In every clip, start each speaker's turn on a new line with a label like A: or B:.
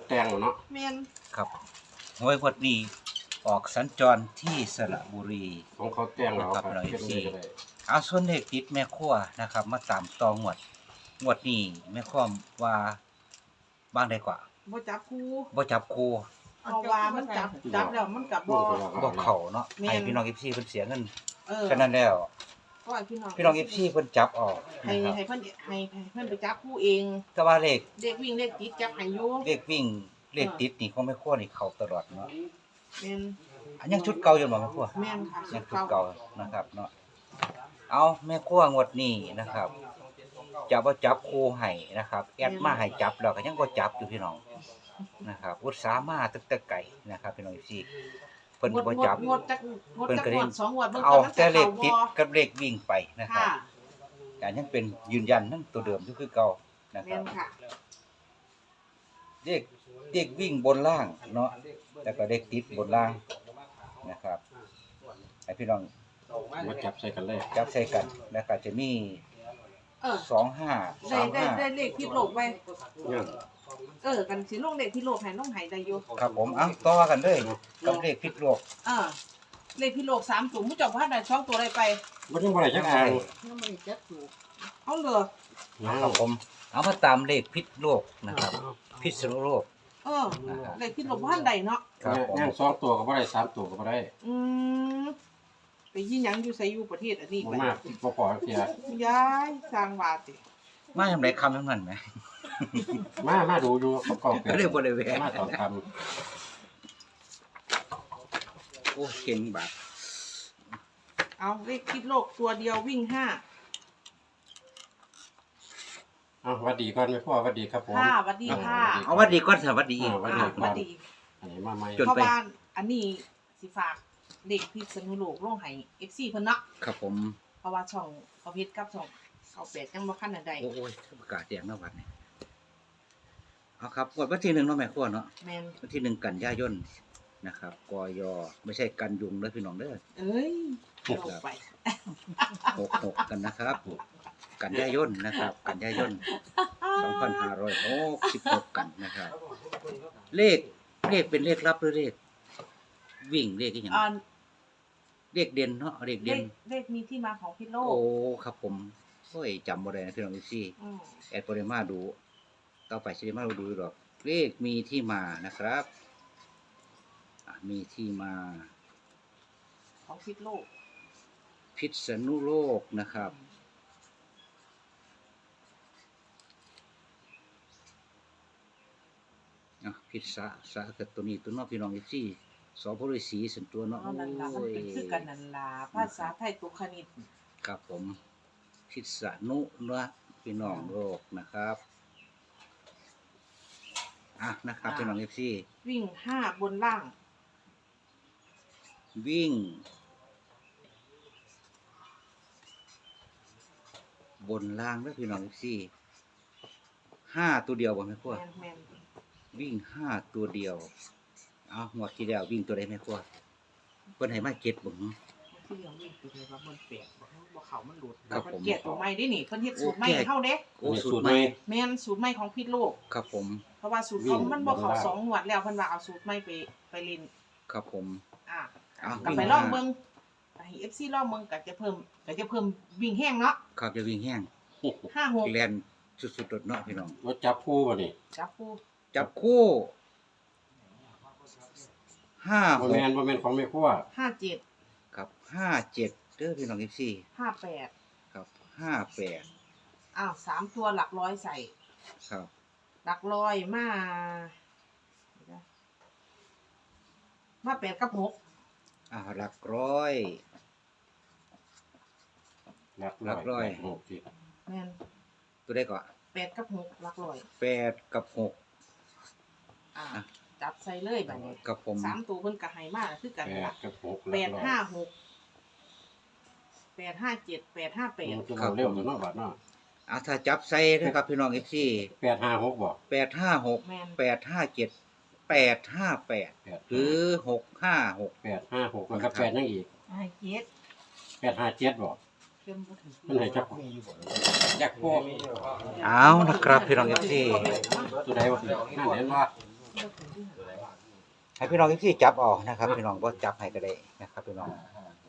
A: แต่งเนาะ
B: แม่น
C: ครับหวยงวดนี้ออกสัญจรที่สระบุรี
A: ของเขาแต่งเราครับ
C: ครับ
A: เฮ็ดเลยก็ได้
C: เอาส่วนเลขติดแม่ครัวนะครับ มาตามต่องวดนี้แม่ครัวว่าบ้างได้กว่า
B: บ่จับคู่
C: บ่จับคู่
B: เพราะว่ามันจับแล้วมันกับบ่
C: บ่เข้าเนาะให้พี่น้อง FC เพิ่นเสียเงิน
B: ก็
C: ฉะนั้นแล้ว พี่น้อง FC เพิ่นจับออก
B: ให้
C: นะครับ
B: ให้เพิ่นไปจับคู่เอง
C: แต่ว่าเลข
B: เด็กวิ่งเด็กติดจับให้อยู่
C: เลขวิ่งเลขติดนี่ของแม่ครัวนี่เข้าตลอดเนาะ
B: แม่น
C: อันยังชุดเก่าอยู่บ่แม่ครัว
B: แม่นค่ะ
C: ยังชุดเก่านะครับเนาะเอาแม่ครัวงวดนี้นะครับจะบ่จับคู่ให้นะครับแอดมาให้จับแล้วก็ยังบ่จับอยู่พี่น้องนะครับอุตส่าห์มาตั้งแต่ไกลนะครับพี่น้องพี่เพิ่นบ่จับ
B: งดจักงด2งวด
C: เอาแต่เลขติดกับเลขวิ่งไปนะครับ
B: ค่ะ
C: แต่ยังเป็นยืนยันนั่นตัวเดิมอยู่คือเก่านะค
B: แม่
C: รับ
B: นค่ะ
C: เลขวิ่งบนล่างเนาะแล้วก็เลขติดบนล่างนะครับให้พี่น้อง
A: มาจับใส่กันเลย
C: จับใส่กันแล้วก็จะมี 25
B: ได้เลขที่โลกไว้
A: เนี่ย
B: กันสิลงเลขที่โลกให้น้องให้ได้อยู่
C: 35ครับผมเอาต่อกันเลยกับเลขพิษโลก
B: เลขที่โลก3ตัวมุจจบ่ทันได้2ตัวได้ไป
A: บ่ยังบ่ได้จักอ่าง
B: ยังบ่ได้จักถูกเอาเหรอ
C: ครับผมเอามาตามเลขพิษโลกนะครับพิษณุโลก
B: เลขที่โลกบ่ทันได้เนาะ
C: ครับผม
A: ย่าง2ตัวก็บ่ได้3ตัวก็บ่ได้
B: ไปยิงหยังอยู่ไสอยู่ประเทศอันนี้
A: บ่
B: ไป
A: มากบ่พอเสีย
B: ย้ายสร้างว่าติ
C: มาทำไรคำทั้งนั้นไหม
A: มาดูอยู่เขาก็เป็น
C: เรียกบริเวณ
A: มาตอนค
C: โอ้เก่งบาท
B: เอาเลขที่โลกตัวเดียววิ่ง5
A: ำเอาหวัดดีก่อนแม่พ่อหวัดดีครับผม
B: ค่ะสวัสดีค่ะ
C: เอาวัดดีก่อนสวัสดีอีก
A: วัด
B: สวัสดี
A: อันนี้มาใหม่
C: จน
B: เพราะ
C: ไป
B: ว่าอันนี้สิฝากเด็กพิษณุโลกลงให้ FC เพิ่นเนาะ
C: ครับผม
B: เพราะว่าช่องเขาเฮ็ดกับช่องเขาแปดยังบ่คันอันใด
C: โอ้ยประกาศแจ้งนะวัดนี่เอาครับวันที่ 1เนาะแม่ครัวเนาะ
B: แม่น
C: วันที่ 1 กันยายนนะครับกยไม่ใช่กันยุงเด้อพี่น้องเด้อ
B: เอ้ยเอาไป
C: 66กันนะครับ กันยายนนะครับ กันยายน2566กันนะครับ เลขเป็นเลขลับหรือเลขวิ่งเลขอีหยัง เลขเด่นเนาะเลขเด่น
B: เลขมีที่มาของพิษโลก
C: โอ้ครับผมโอ้ยจำบ่ได้นะพี่น้องซี่
B: อืม
C: แอดบ่ได้มาดูต่อไปสิได้มาดูดอกเลขมีที่มานะครับมีที่มา
B: ของพิษโลก
C: พิษณุโลกนะครับพิษสะเกิดตัวนี้ตัวเนาะพี่น้องซี่สอพฤษีสันตัวเนาะ
B: เอานั่นล่ะมันเป็นคือกันนั่นล่ะภาษาไทยตุคณิต
C: ครับผมพิษณุนะพี่น้องโลกนะครับนะครับพี่น้องซี่
B: วิ่ง5บนล่าง
C: วิ่งบนล่างแล้วพี่น้องซี่5ตัวเดียวบ่แม่ครัว
B: แม่น
C: วิ่ง5ตัวเดียวเอาหมดที่แล้ววิ่งตัวใดแม่ครัวเพิ่นให้มา7บ่
B: ๆที่เรียกวิ่งตัวใดว่ามันแปลกบ่เข้ามันหลุด
C: ครับผม
B: เกลียดตัวใหม่เด้นี่เพิ่นเฮ็ดสูตรใหม่ให้เฮาเด้
C: โอ้
A: มี
C: สู
A: สู
C: ต
A: ต
C: ร
A: ร
C: ให
A: ให
C: ม่
A: ม่
B: แม่นสูตรใหม่ของพิษโลก
C: ครับผม
B: เพราะว่าสูตรเขามันบ่เข้า2งวดแล้วเพิ่นว่าเอาสูตรใหม่ไปเล่น
C: ครับผม
B: ก็
C: วิ่ง
B: ไปลองเบิ่งให้ FC ลองเบิ่งก็จะเพิ่มวิ่งแห้งเนาะ
C: ครับจะวิ่งแห้ง
B: 56
C: แลนสุดๆโดดเนาะพี่น้อง
A: รถจับคู่บ่นี่
B: จับคู่
C: จับคู่
A: บ่แม่นของแม่ครัว
B: 57
C: ครับ57เด้อพี่น้องซี่
B: 58
C: ครับ58
B: 3ตัวหลักร้อยใส่
C: ครับ
B: หลักร้อยมา8กับ6
C: หลักร้อย
A: หลักร้อยหกสิ
B: แม่น
C: ตัวได้ก่อน
B: 8กับ6หลักร้อย
C: 8กับ
B: จับใส่เลยบัดนี้
C: 6กับผม
B: 3ตัวเพิ่นก็ให้มาคือกันล่ะ
A: 8กับ6
B: 856 857 858
A: คือเราเร็วเนาะบัดเนาะ
C: ถ้าจับใส่นะครับพี่น้องซี่
A: 856บ่
C: 856
B: แม่น
C: 857 858หรือ656
A: 856แล้วก็8ยังอีก
B: ให้เจ็ด
A: 857บ่
B: เพิ่นบ่ถึง
A: มันให้จักจักพวก
C: เอานะครับพี่น้องซี่
A: ตัวใดบ่นั่นเห็นบ่
C: ให้พี่น้องที่จับเอานะครับพี่น้องบ่จับให้ก็ได้นะครับพี่น้อง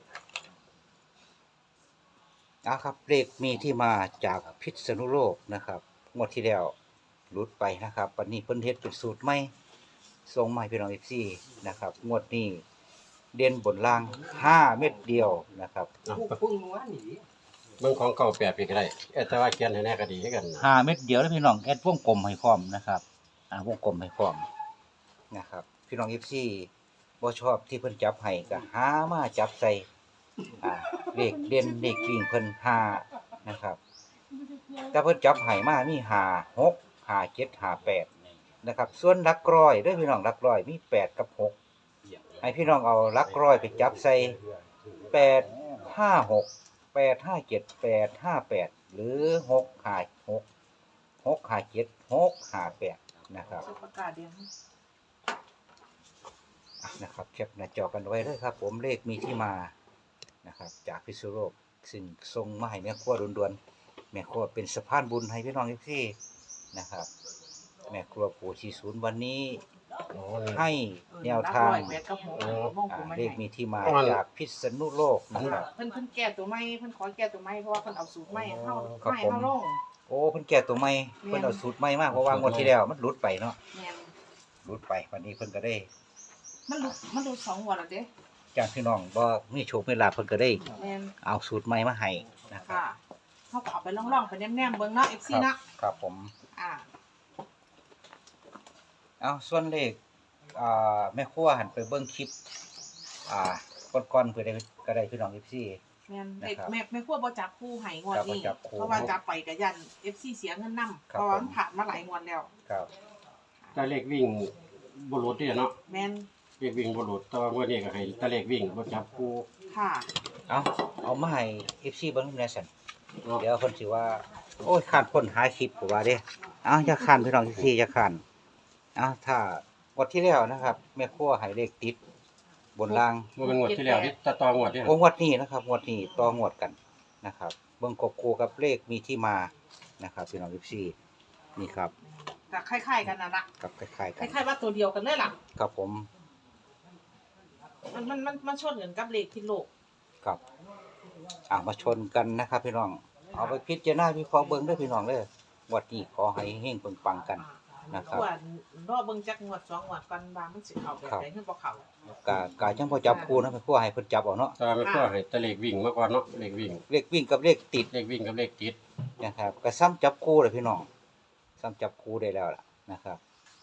C: ครับเลขมีที่มาจากพิษณุโลกนะครับงวดที่แล้วหลุดไปนะครับวันนี้เพิ่นเฮ็ดเป็นสูตรใหม่ส่งมาให้พี่น้องที่นะครับงวดนี้เด่นบนล่าง5 เม็ดเดียวนะครับ
A: เบิ่งของเก่าแปดปีก็ได้แต่ว่าเขียนให้แน่ก็ดีคือกันนะ
C: 5 เม็ดเดียวแล้วพี่น้องแอดวงกลมให้พร้อมนะครับวงกลมให้พร้อมนะครับพี่น้องบ่ชอบที่เพิ่นจับให้ก็หามาจับใส่เลขเด่นเลขวิ่งเพิ่น5นะครับแต่เพิ่นจับให้มามี5 6 5 7 5 8นะครับส่วนหลักร้อยเด้อพี่น้องหลักร้อยมี8กับ6ให้พี่น้องเอาหลักร้อยไปจับใส่8 5 6 8 5 7 8 5 8หรือ6 5 6 6 5 7 6 5 8นะครับ
B: ประกาศเดียว
C: นะครับแคปหน้าจอกันไว้เลยครับผมเลขมีที่มานะครับจากพิษณุโลกซึ่งส่งมาให้แม่ครัวด่วนๆแม่ครัวเป็นสะพานบุญให้พี่น้องที่นะครับแม่ครัวปู่ชีศูนย์วันนี้ให้แนวทางเลขมีที่มาจากพิษณุโลกนะครับ
B: เพิ่นแก้ตัวใหม่เพิ่นขอแก้ตัวใหม่เพราะว่าเพิ่นเอาสูตรใหม่เข้า
C: ครับ
B: ใหม่
C: ผม
B: เข้าลง
C: โอ้เพิ่นแก้ตัวใหม่เพิ่นเอาสูตรใหม่มากเพราะว่างวดที่แล้วมันหลุดไปเนาะ
B: แม่น
C: หลุดไปวันนี้เพิ่นก็ได้
B: มันดู2งวดแล้วเด้
C: จากพี่น้องบ่มีโชคมีลาภเพิ่นก็ได้
B: แม่น
C: เอาสูตรใหม่มาให้นะครับ
B: ค่ะเฮาก็เอาไปล่องๆไปแนมๆเบิ่งเนาะ FC เนาะ
C: ครับผม
B: อ่า
C: เอาส่วนเลขแม่ครัวหันไปเบิ่งคลิปก่อนๆเพื่อได้ก็ได้พี่น้อง FC
B: แม่น
C: นะครับ
B: แม่ครัวบ่จับคู่ให้งวดนี้
C: ครับบ่จับคู่
B: เพราะว่าจับไปก็ยัน FC เสียเงินนำ
C: ครับ
B: เพราะว่ามันผ่านมาหลายงวดแล้ว
C: ครับ
A: แต่เลขวิ่งบ่หลุดเด้เนาะ
B: แม่น
A: เลขวิ่งบ่หลุดแต่ว่างวดนี้ก็ให้แต่เลขวิ่งบ่จับคู่
B: ค่ะ
C: เอามาให้ FC เบิ่งแหน่ซั่น
A: เนาะ
C: เดี๋ยวเพิ่นสิว่าโอ้ยข้านคนหาคลิปผมว่าเด้อย่าข้านพี่น้อง FC อย่าข้านถ้างวดที่แล้วนะครับแม่ครัวให้เลขติดบนล่าง
A: บ่เป็นงวดที่แล้วที่ตะตองวดที่
C: โอ้งวดนี้นะครับงวดนี้ต่องวดกันนะครับเบิ่งกบคู่กับเลขมีที่มานะครับพี่น้อง FC นี่ครับ
B: ก็คล้ายๆกันนั่นล่ะ
C: กับคล้ายๆ
B: ค
C: กัน
B: ล้ายๆว่าตัวเดียวกันเลยล่ะ
C: ครับผม
B: มันชนกันกับเลขที่โลก
C: ครับมาชนกันนะครับพี่น้องเอาไปพิจารณาวิเคราะห์เบิ่งเด้อพี่น้องเด้อวัดนี้ขอให้เฮงๆปังๆกันนะครับ
B: ส่วนรอเบิ่งจักงวด2งวดก่อนว่ามันสิเข้าแบบใดคือบ่เข้าก
C: ะจังบ่จับคู่นะแม่ครัวให้เพิ่นจับเอาเนาะ
A: แต่ว่าแม่ครัวให้แต่เลขวิ่งมาก่อนเนาะเลขวิ่ง
C: เลขวิ่งกับเลขติด
A: เลขวิ่งกับเลขติด
C: นะครับก็ซ้ำจับคู่เลยพี่น้องซ้ำจับคู่ได้แล้วล่ะนะครับ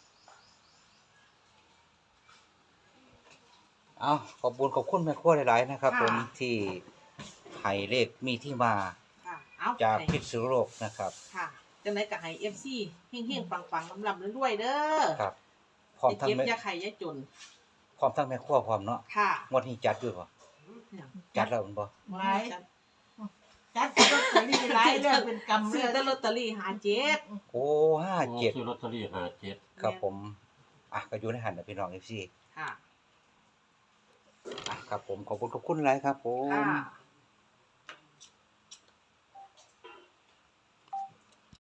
C: ขอบคุณแม่ครัวหลายๆนะครับ ผมที่ให้เลขมีที่มา
B: ค่ะเอา
C: จากพิษณุโลกนะครับ
B: ค่ะจังได๋ก็ให้ FC เฮงๆปังๆลำๆรวยๆเด้อ
C: ครับพร้อม
B: อย่า
C: ทั้ง
B: เก็บ
C: แม่
B: อย่าไข่อย่าจน
C: พร้อมทั้งแม่ครัวพร้อมเนาะ
B: ค่ะ
C: งวดนี้จัดอยู่บ่จัดแล้วมันบ่
D: ไว้จัดลอตเตอรี่หลายเรื่องเป็นกำ
B: ซื้
D: เรื่
B: อ
D: อง
B: แต่ลอตเตอรี่57
C: โอ้
A: ซื้อลอตเตอรี่57
C: 57ครับผมก็อยู่ในหันนะพี่น้อง FC
B: ค่ะ
C: ครับผมขอบคุณหลายครับผม
B: ค่ะ